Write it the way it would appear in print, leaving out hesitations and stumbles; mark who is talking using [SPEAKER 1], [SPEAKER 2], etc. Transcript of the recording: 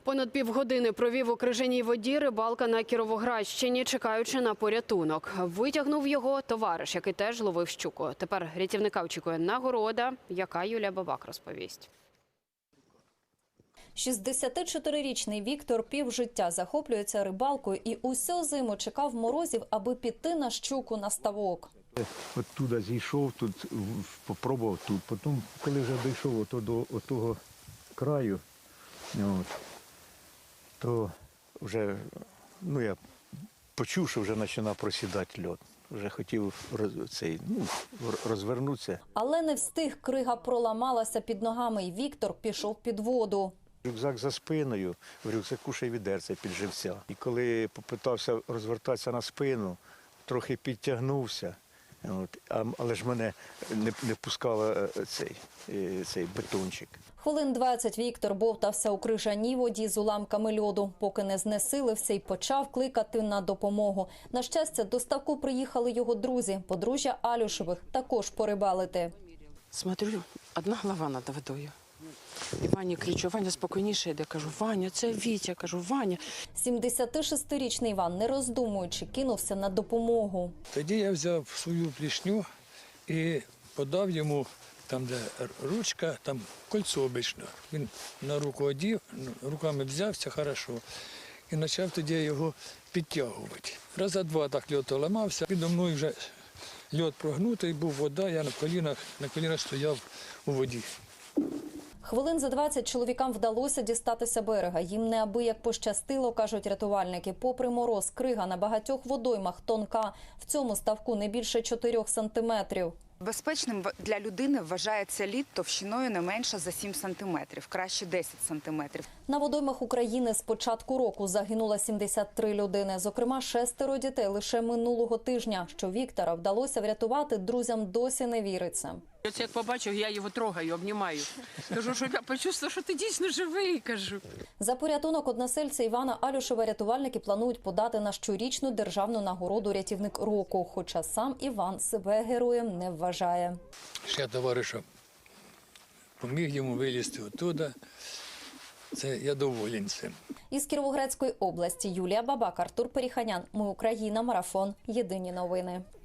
[SPEAKER 1] Понад півгодини провів у крижаній воді рибалка на Кіровоградщині, чекаючи на порятунок. Витягнув його товариш, який теж ловив щуку. Тепер рятівника очікує нагорода, яка Юлія Бабак розповість.
[SPEAKER 2] 64-річний Віктор півжиття захоплюється рибалкою і усю зиму чекав морозів, аби піти на щуку на ставок.
[SPEAKER 3] Оттуда зійшов, тут попробував тут. Потім, коли вже дійшов до того краю, то вже я почув, що вже починав просідати лід. Вже хотів розвернутися.
[SPEAKER 2] Але не встиг, крига проламалася під ногами, і Віктор пішов під воду.
[SPEAKER 3] Рюкзак за спиною, в рюкзаку ще й відерце під живця. І коли попитався розвертатися на спину, трохи підтягнувся, але ж мене не пускав цей бетончик.
[SPEAKER 2] Хвилин 20 Віктор бовтався у крижаній воді з уламками льоду, поки не знесилився і почав кликати на допомогу. На щастя, до ставку приїхали його друзі, подружжя Алюшевих, також порибалити.
[SPEAKER 4] Смотрю, одна голова над водою. І Вані кричу: Ваня, спокійніше йде. Кажу: Ваня, це Вітя. Кажу: Ваня.
[SPEAKER 2] 76-річний Іван, не роздумуючи, кинувся на допомогу.
[SPEAKER 5] Тоді я взяв свою плішню і подав йому, там де ручка, там кольцо обично. Він на руку одів, руками взявся хорошо і почав тоді його підтягувати. Раза два так льод ламався, підо мною вже льод прогнутий, був вода, я на колінах стояв у воді.
[SPEAKER 2] Хвилин за 20 чоловікам вдалося дістатися берега. Їм неабияк пощастило, кажуть рятувальники. Попри мороз, крига на багатьох водоймах тонка. В цьому ставку не більше 4 сантиметрів.
[SPEAKER 6] Безпечним для людини вважається лід товщиною не менше за 7 сантиметрів, краще 10 сантиметрів.
[SPEAKER 2] На водоймах України з початку року загинуло 73 людини. Зокрема, 6 дітей лише минулого тижня. Що Віктора вдалося врятувати, друзям досі не віриться.
[SPEAKER 4] Ось як побачив, я його трогаю, обнімаю. Кажу, що я почувствувала, що ти дійсно живий, кажу.
[SPEAKER 2] За порятунок односельця Івана Алюшева рятувальники планують подати на щорічну державну нагороду «Рятівник року». Хоча сам Іван себе героєм не вважає.
[SPEAKER 5] Ще товариша поміг йому вилізти оттуда. Це я доволен цим.
[SPEAKER 2] Із Кіровоградської області Юлія Бабак, Артур Періханян. Ми Україна. Марафон. Єдині новини.